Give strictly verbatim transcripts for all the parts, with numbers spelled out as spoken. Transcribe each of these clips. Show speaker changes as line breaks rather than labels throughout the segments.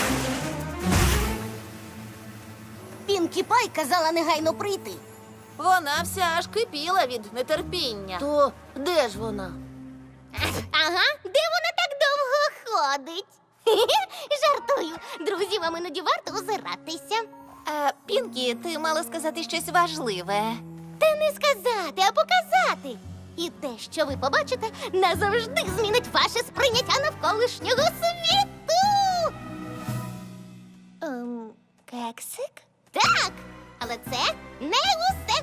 Пінкі Пай казала негайно прийти.
Вона вся аж кипіла від нетерпіння.
То де ж вона? Ага, де вона так довго ходить? Жартую. Друзі, вам іноді варто озиратися.
А, Пінкі, ти мала сказати щось важливе.
Та не сказати, а показати. І те, що ви побачите, назавжди змінить ваше сприйняття навколишнього світу. Ем, кексик? Так, але це не усе.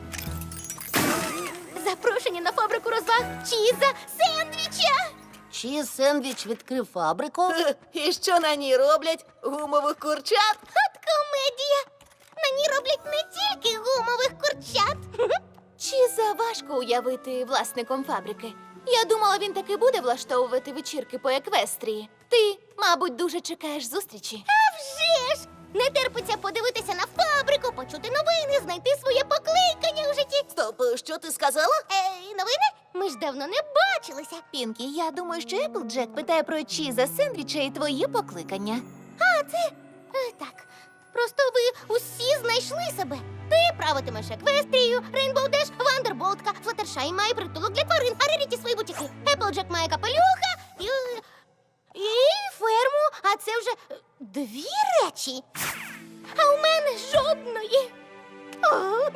Запрошення на фабрику розваг Чіза Сендвіча.
Чіз Сендвіч відкрив фабрику.
І що на ній роблять? Гумових курчат?
От комедія. На ній роблять не тільки гумових курчат.
Чи заважко уявити власником фабрики? Я думала, він таки буде влаштовувати вечірки по еквестрії. Ти, мабуть, дуже чекаєш зустрічі.
А вже ж! Не терпиться подивитися на фабрику, почути новини, знайти своє покликання у житті.
Стоп, що ти сказала?
Ей, новини? Ми ж давно не бачилися.
Пінкі, я думаю, що Еплджек питає про Чіза Сендвіча і твої покликання.
А, це... е, так. Просто ви усі знайшли себе. Ти правитимеш еквестрію, Рейнбоу Деш, Вандерболтка, Флаттершай має притулок для тварин, а Реріті свої бутіки. Еплджек має капелюха і... і ферму, а це вже е, дві речі. А у мене жодної. О!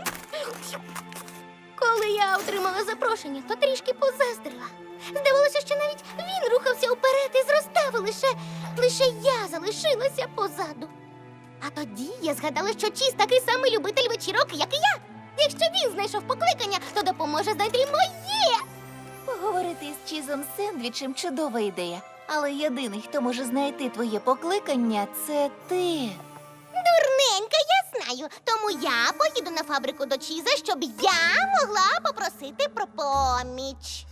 Коли я отримала запрошення, то трішки позаздрила. Здавалося, що навіть він рухався вперед і зростав, і лише, лише я залишилася позаду. А тоді я згадала, що Чіз такий самий любитель вечірок, як і я. Якщо він знайшов покликання, то допоможе знайти й моє.
Поговорити з Чізом Сендвічем – чудова ідея. Але єдиний, хто може знайти твоє покликання – це ти.
Дурненька, я знаю. Тому я поїду на фабрику до Чіза, щоб я могла попросити про поміч.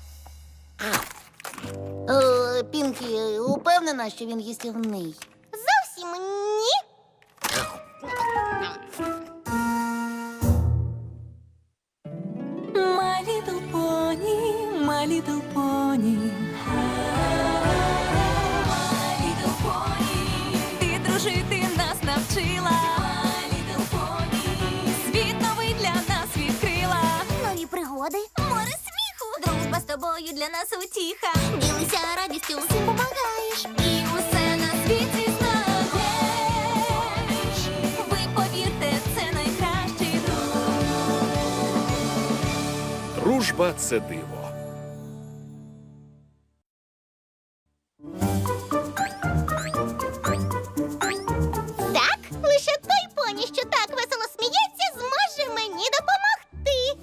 Е, Пінкі, упевнена, що він їстівний?
Зовсім ні.
My little pony, my little pony. My little pony. Ти дружити нас навчила. My little pony. Світ новий для нас відкрила.
Нові пригоди.
Море сміху. Дружба з тобою для нас утіха.
Ділися радістю, всім помагаєш.
І усе на світі знаєш. Ви повірте, це найкращий друг.
Дружба – це диво.
Так, лише той поні, що так весело сміється, зможе мені допомогти.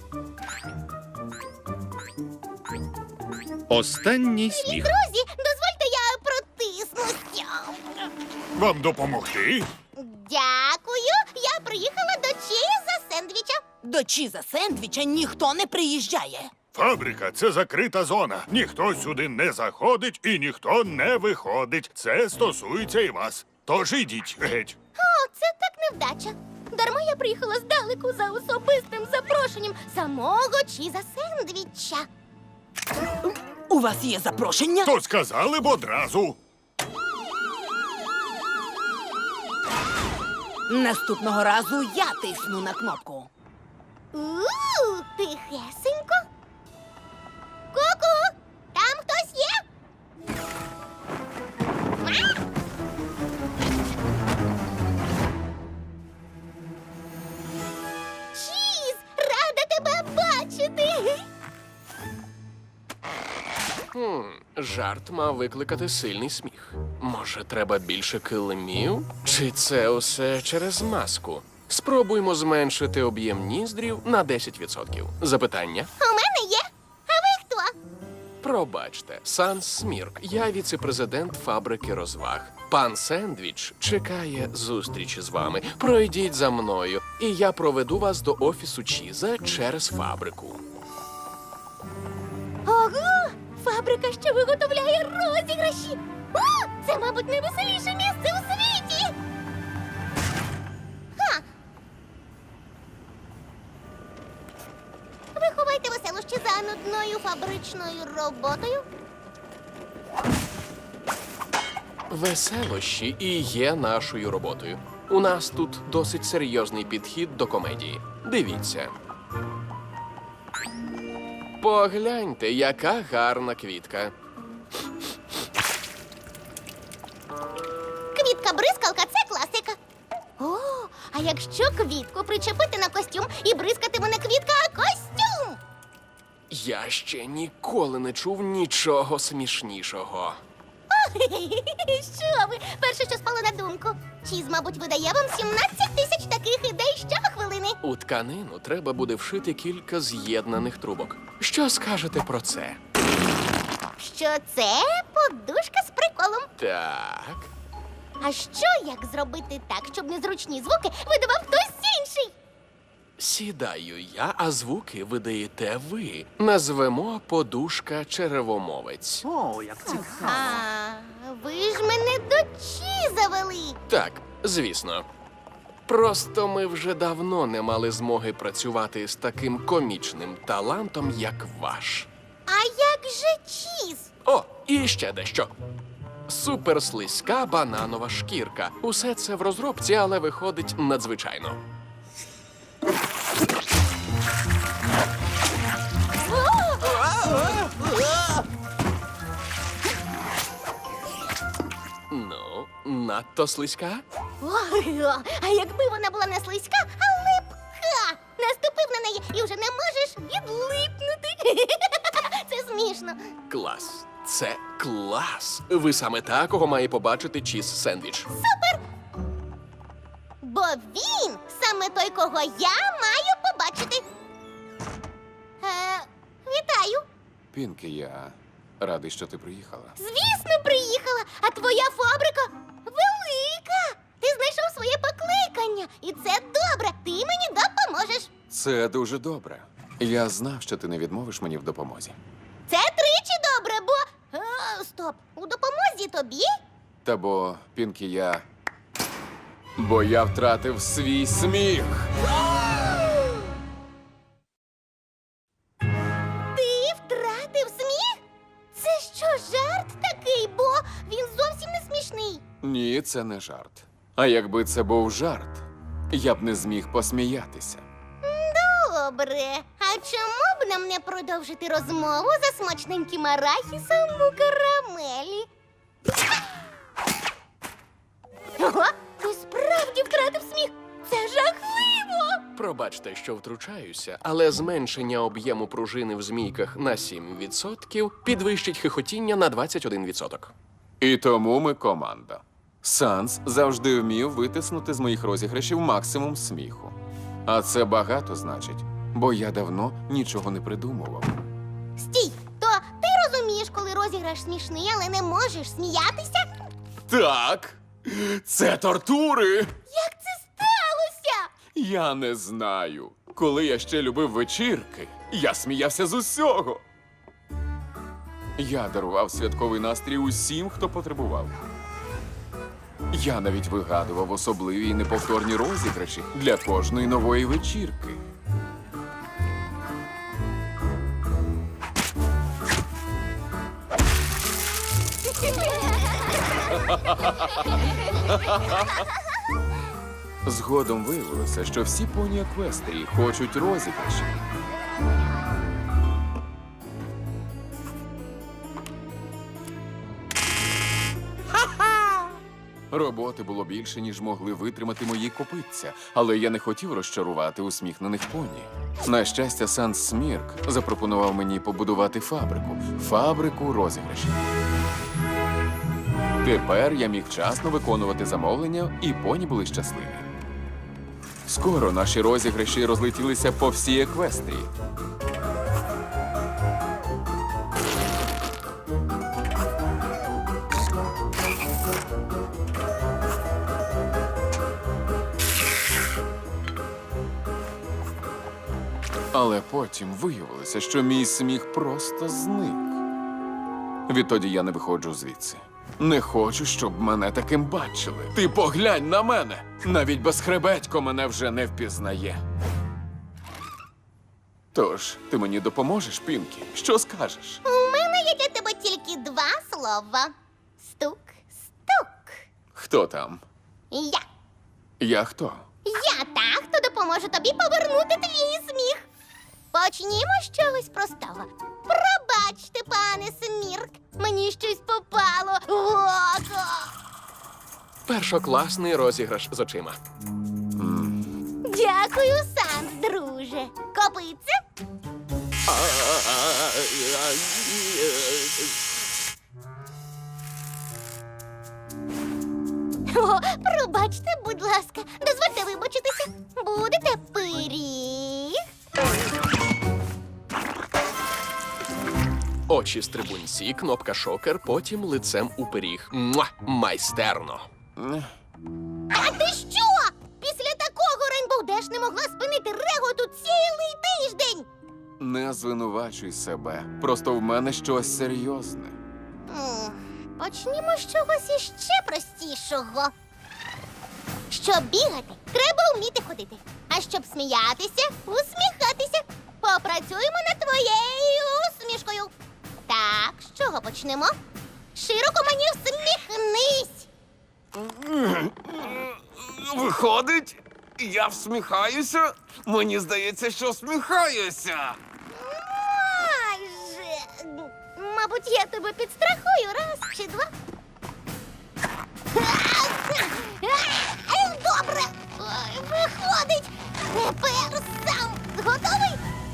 Останній сміх.
Друзі, дозвольте я протиснуся.
Вам допомогти?
Дякую. Я приїхала до Чіза Сендвіча.
До Чіза Сендвіча ніхто не приїжджає.
Фабрика – це закрита зона. Ніхто сюди не заходить і ніхто не виходить. Це стосується і вас. Тож ідіть геть.
О, це так невдача. Дарма я приїхала здалеку за особистим запрошенням самого Чіза Сендвіча.
У вас є запрошення?
То сказали б одразу.
Наступного разу я тисну на кнопку.
У, тихесенько. Ку-ку, там хтось є? Ма? Чіз, рада тебе бачити.
Хм, жарт мав викликати сильний сміх. Може, треба більше килимів? Чи це усе через маску? Спробуймо зменшити об'єм ніздрів на десять відсотків. Запитання?
У мене є. А ви хто?
Пробачте, Санс Смірк. Я віце-президент фабрики розваг. Пан Сендвіч чекає зустрічі з вами. Пройдіть за мною, і я проведу вас до офісу Чіза через фабрику.
Ого! Фабрика, що виготовляє розіграші. О, це, мабуть, найвеселіше місце у світі. Ха! Ви ховайте веселощі за нудною фабричною роботою.
Веселощі і є нашою роботою. У нас тут досить серйозний підхід до комедії. Дивіться. Погляньте, яка гарна квітка.
Квітка-бризкалка це класика. О, а якщо квітку причепити на костюм і бризкатиме не квітка, а костюм?
Я ще ніколи не чув нічого смішнішого.
Що ви? Перше, що спало на думку. Чіз, мабуть, видає вам сімнадцять тисяч таких ідей щохвилини.
У тканину треба буде вшити кілька з'єднаних трубок. Що скажете про це?
Що це подушка з приколом.
Так.
А що як зробити так, щоб незручні звуки видавав хтось інший?
Сідаю я, а звуки видаєте ви. Назвемо подушка черевомовець.
О, як цікаво.
А, ви ж мене до Чіза вели.
Так, звісно. Просто ми вже давно не мали змоги працювати з таким комічним талантом, як ваш.
А як же Чіз?
О, і ще дещо. Суперслизька бананова шкірка. Усе це в розробці, але виходить надзвичайно. Ну, надто слизька?
Ой, о, а якби вона була не слизька, а липка. Наступив на неї і вже не можеш відлипнути. Це смішно.
Клас. Це клас. Ви саме такого має побачити чіз сендвіч.
Бо він саме той, кого я маю побачити. Е, вітаю.
Пінкі, я радий, що ти приїхала.
Звісно, приїхала, а твоя фабрика велика. Ти знайшов своє покликання, і це добре. Ти мені допоможеш.
Це дуже добре. Я знав, що ти не відмовиш мені в допомозі.
Це тричі добре, бо. А, стоп, у допомозі тобі?
Та бо, Пінкі, я. Бо я втратив свій сміх.
Ти втратив сміх? Це що, жарт такий, бо він зовсім не смішний.
Ні, це не жарт. А якби це був жарт, я б не зміг посміятися.
Добре. А чому б нам не продовжити розмову за смачненьким арахісом у карамелі? Ого, ти справді втратив сміх. Це жахливо.
Пробачте, що втручаюся, але зменшення об'єму пружини в змійках на сім відсотків підвищить хихотіння на двадцять один відсоток.
І тому ми команда. Санс завжди вмів витиснути з моїх розіграшів максимум сміху. А це багато значить, бо я давно нічого не придумував.
Стій, то ти розумієш, коли розіграш смішний, але не можеш сміятися?
Так, це тортури.
Як це сталося?
Я не знаю. Коли я ще любив вечірки, я сміявся з усього. Я дарував святковий настрій усім, хто потребував. Я навіть вигадував особливі і неповторні розіграші для кожної нової вечірки. Згодом виявилося, що всі поні Еквестрії хочуть розіграші. Роботи було більше, ніж могли витримати мої копитця, але я не хотів розчарувати усміхнених поні. На щастя, Санс Смірк запропонував мені побудувати фабрику. Фабрику розіграшів. Тепер я міг вчасно виконувати замовлення, і поні були щасливі. Скоро наші розіграші розлетілися по всій Еквестрії. Але потім виявилося, що мій сміх просто зник. Відтоді я не виходжу звідси. Не хочу, щоб мене таким бачили. Ти поглянь на мене! Навіть безхребетько мене вже не впізнає. Тож, ти мені допоможеш, Пінкі? Що скажеш?
У мене є для тебе тільки два слова. Стук, стук.
Хто там?
Я.
Я хто?
Я та, хто допоможе тобі повернути твій сміх. Почнімо з чогось простого. Пробачте, пане Смірк, мені щось попало в око.
Першокласний розіграш з очима.
Дякую, Санс, друже. Копиться? О, пробачте, будь ласка, дозвольте вибачитися. Будете пиріг?
Очі стрибунці, кнопка шокер, потім лицем у пиріг. Муа! Майстерно.
А ти що? Після такого Рейнбоу Деш не могла спинити реготу цілий тиждень.
Не звинувачуй себе. Просто в мене щось серйозне.
М, Почнімо з чогось іще простішого. Щоб бігати, треба вміти ходити. А щоб сміятися, усміхатися. Попрацюємо над твоєю усмішкою. Так, з чого почнемо? Широко мені всміхнись.
Виходить, я всміхаюся? Мені здається, що всміхаюся.
Майже. Мабуть, я тебе підстрахую раз чи два. Добре. Ой, виходить. Тепер сам готовий?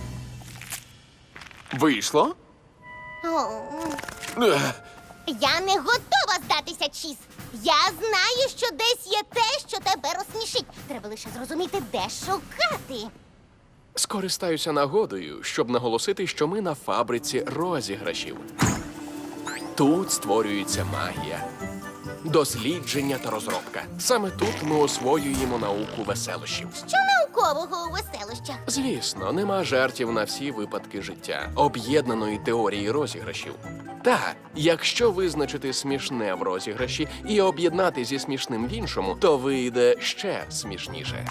Вийшло?
О,
Ех,
я не готова здатися, Чіз. Я знаю, що десь є те, що тебе розсмішить. Треба лише зрозуміти, де шукати.
Скористаюся нагодою, щоб наголосити, що ми на фабриці розіграшів. Тут створюється магія, дослідження та розробка. Саме тут ми освоюємо науку веселощів.
Що наукового у веселощах?
Звісно, нема жартів на всі випадки життя, об'єднаної теорії розіграшів. Та, якщо визначити смішне в розіграші і об'єднати зі смішним в іншому, то вийде ще смішніше.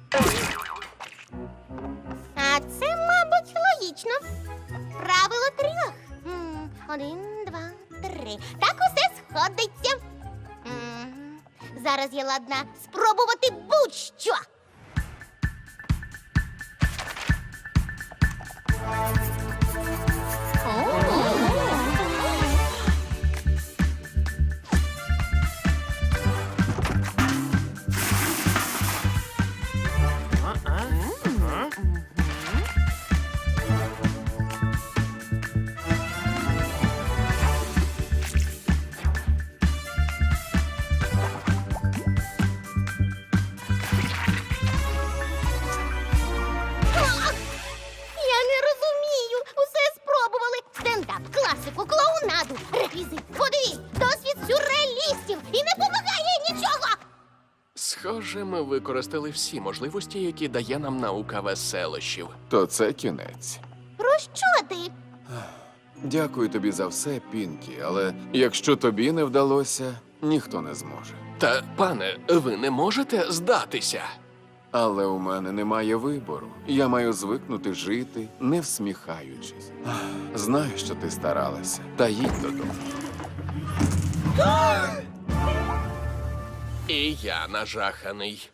А це, мабуть, логічно. Правило трьох. М, Один, два, три. Так усе сходиться. М, Зараз я ладна спробувати будь-що. А! Я не розумію. Усе спробували. Стендап, класику, клоунаду, реквізит. Подивись, досвід сюрреалістів. І не допомагає нічого.
Схоже, ми використали всі можливості, які дає нам наука веселощів.
То це кінець.
Про що ти?
Дякую тобі за все, Пінкі, але якщо тобі не вдалося, ніхто не зможе.
Та, пане, ви не можете здатися?
Але у мене немає вибору. Я маю звикнути жити, не всміхаючись. Ах, знаю, що ти старалася. Та їдь додому.
І я нажаханий.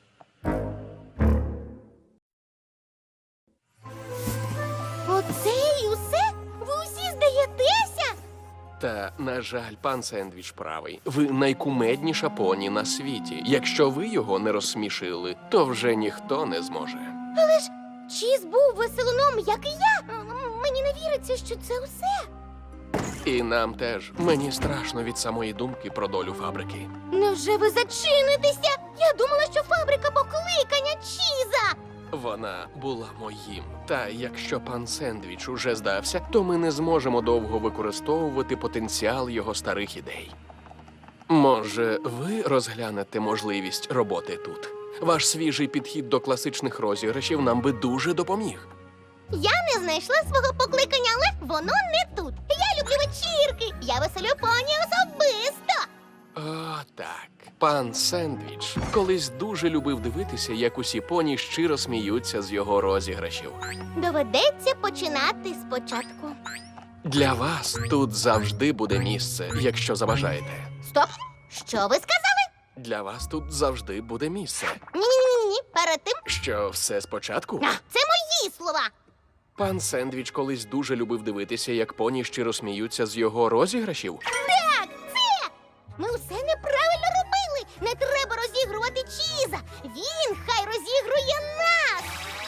Оце і усе? Ви усі здаєтеся?
Та, на жаль, пан Сендвіч правий. Ви найкумедніша поні на світі. Якщо ви його не розсмішили, то вже ніхто не зможе.
Але ж Чіз був веселуном, як і я. М, Мені не віриться, що це усе.
І нам теж. Мені страшно від самої думки про долю фабрики.
Невже ви зачинитеся? Я думала, що фабрика покликання Чіза.
Вона була моїм. Та якщо пан Сендвіч уже здався, то ми не зможемо довго використовувати потенціал його старих ідей. Може, ви розглянете можливість роботи тут? Ваш свіжий підхід до класичних розіграшів нам би дуже допоміг.
Я не знайшла свого покликання, але воно не тут. Я люблю вечірки. Я веселю поні особисто.
О, так. Пан Сендвіч колись дуже любив дивитися, як усі поні щиро сміються з його розіграшів.
Доведеться починати спочатку.
Для вас тут завжди буде місце, якщо забажаєте.
Стоп! Що ви сказали?
Для вас тут завжди буде місце.
Ні-ні-ні, перед тим.
Що все спочатку?
А, це мої слова.
Пан Сендвіч колись дуже любив дивитися, як поні щиро сміються з його розіграшів.
Так, це! Ми усе неправильно робили. Не треба розігрувати Чіза. Він хай розігрує нас.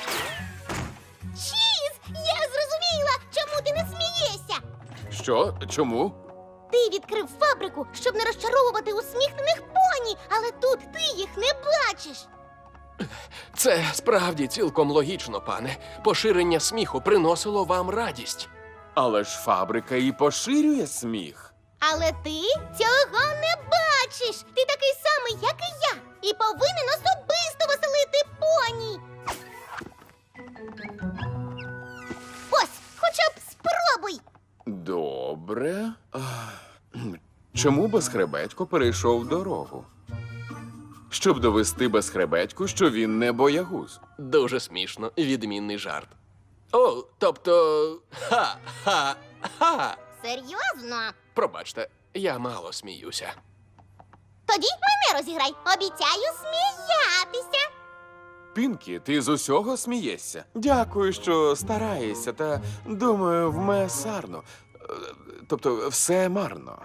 Чіз, я зрозуміла, чому ти не смієшся.
Що? Чому?
Ти відкрив фабрику, щоб не розчаровувати усміхнених поні, але тут ти їх не бачиш.
Це справді цілком логічно, пане. Поширення сміху приносило вам радість.
Але ж фабрика і поширює сміх.
Але ти цього не бачиш. Ти такий самий, як і я, і повинен особисто веселити поні. Ось, хоча б спробуй.
Добре. А, чому безхребетько перейшов дорогу? Щоб довести безхребетьку, що він не боягуз.
Дуже смішно, відмінний жарт. О, тобто. Ха-ха-ха.
Серйозно?
Пробачте, я мало сміюся.
Тоді мене розіграй. Обіцяю сміятися.
Пінкі, ти з усього смієшся. Дякую, що стараєшся, та думаю, вме сарно. Е, Тобто, все марно.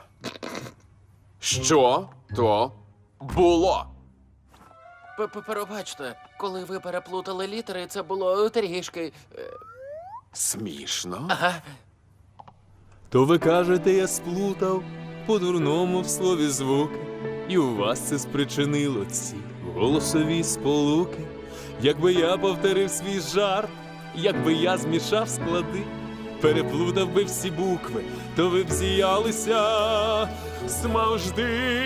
Що то було?
Пробачте, коли ви переплутали літери, це було трішки.
Смішно?
Ага.
То ви кажете, я сплутав по-дурному в слові звуки, і у вас це спричинило ці голосові сполуки. Якби я повторив свій жарт, якби я змішав склади, переплутав би всі букви, то ви б зіялися смавжди.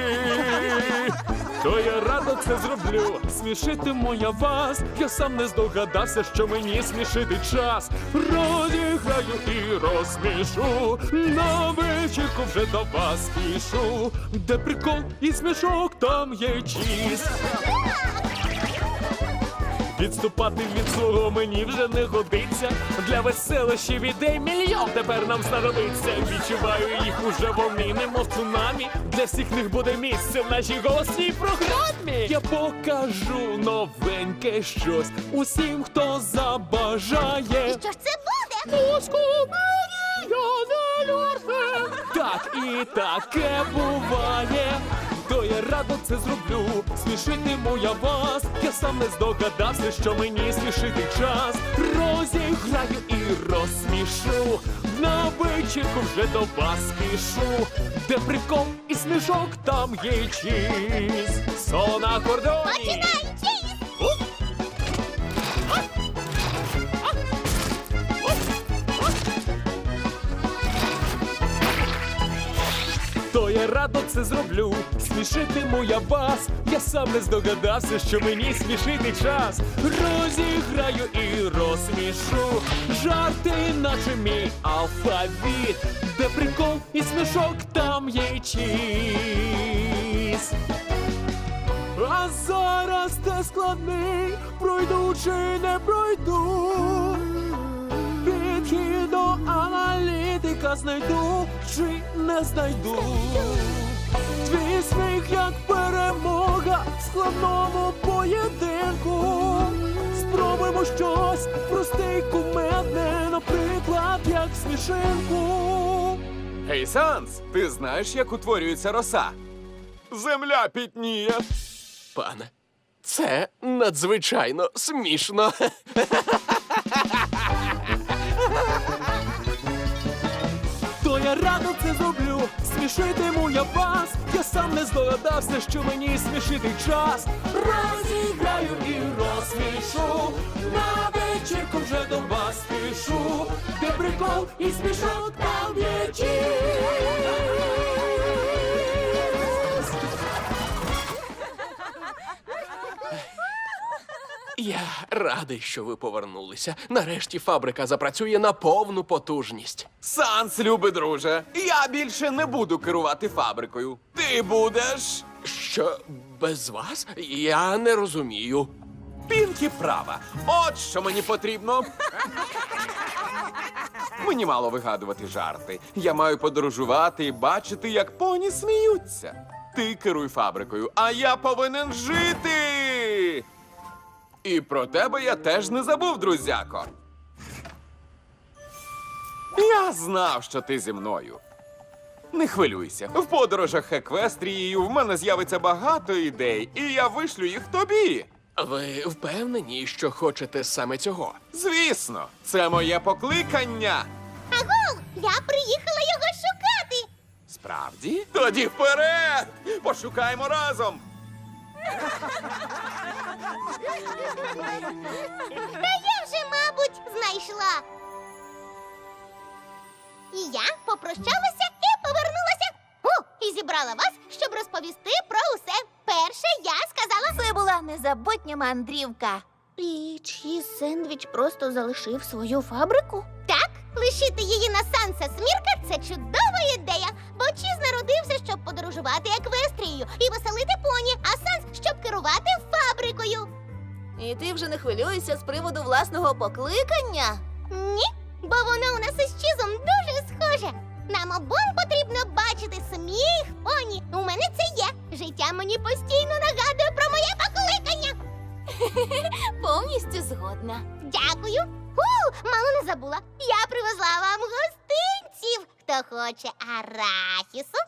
То я радо це зроблю, смішитиму я вас. Я сам не здогадався, що мені смішити час. Розіграю і розсмішу, на вечірку вже до вас спішу. Де прикол і смішок, там є чіз. Відступати від свого мені вже не годиться. Для веселощів ідей мільйон тепер нам знадобиться. Відчуваю їх уже вони, немов цунамі. Для всіх них буде місце в нашій голосній програмі. Я покажу новеньке щось усім, хто забажає.
І що ж це буде?
Так і таке буває. То я радо це зроблю, смішитиму я вас. Я сам не здогадався, що мені смішити час. Розіграю і розсмішу, на вечірку вже до вас спішу. Де прикол і смішок, там є чіз. Соло на кордоні.
Починай, Чіз!
То я радо це зроблю, смішитиму я вас. Я сам не здогадався, що мені смішити час. Розіграю і розсмішу, жарти, наче мій алфавіт. Де прикол і смішок, там є чіз. А зараз те складний, пройду чи не пройду. Підхід до аналітика знайду чи не знайду. Твій сміх як перемога в складному поєдинку. Спробуємо щось просте й кумедне, наприклад, як смішинку.
Гей, Санс, ти знаєш, як утворюється роса? Земля пітніє.
Пане, це надзвичайно смішно.
То я радо це зроблю, смішитиму я вас. Я сам не здогадався, що мені смішити час. Розіграю і розсмішу, на вечірку вже до вас спішу. Де прикол і смішок, там є чіз.
Я радий, що ви повернулися. Нарешті фабрика запрацює на повну потужність.
Санс, любий друже, я більше не буду керувати фабрикою. Ти будеш.
Що, без вас? Я не розумію.
Пінкі права. От що мені потрібно. Мені мало вигадувати жарти. Я маю подорожувати і бачити, як поні сміються. Ти керуй фабрикою, а я повинен жити. І про тебе я теж не забув, друзяко. Я знав, що ти зі мною. Не хвилюйся. В подорожах Еквестрією в мене з'явиться багато ідей, і я вишлю їх тобі.
Ви впевнені, що хочете саме цього?
Звісно, це моє покликання.
Агов, я приїхала його шукати.
Справді? Тоді вперед! Пошукаємо разом.
Та я вже, мабуть, знайшла. І я попрощалася і повернулася. О, і зібрала вас, щоб розповісти про усе. Перше я сказала...
Це була незабутня мандрівка.
І чи Сендвіч просто залишив свою фабрику? Так, лишити її на Санса Смірка – це чудова ідея. Бо Чіз народився, щоб подорожувати Еквестрією і веселити поні, а Санс, щоб керувати фабрикою.
І ти вже не хвилюєшся з приводу власного покликання?
Ні, бо воно у нас із Чізом дуже схоже. Нам обом потрібно бачити сміх поні. У мене це є. Життя мені постійно нагадує про моє покликання.
Повністю згодна.
Дякую. У, мало не забула. Я привезла вам гостинців. Хто хоче арахісу?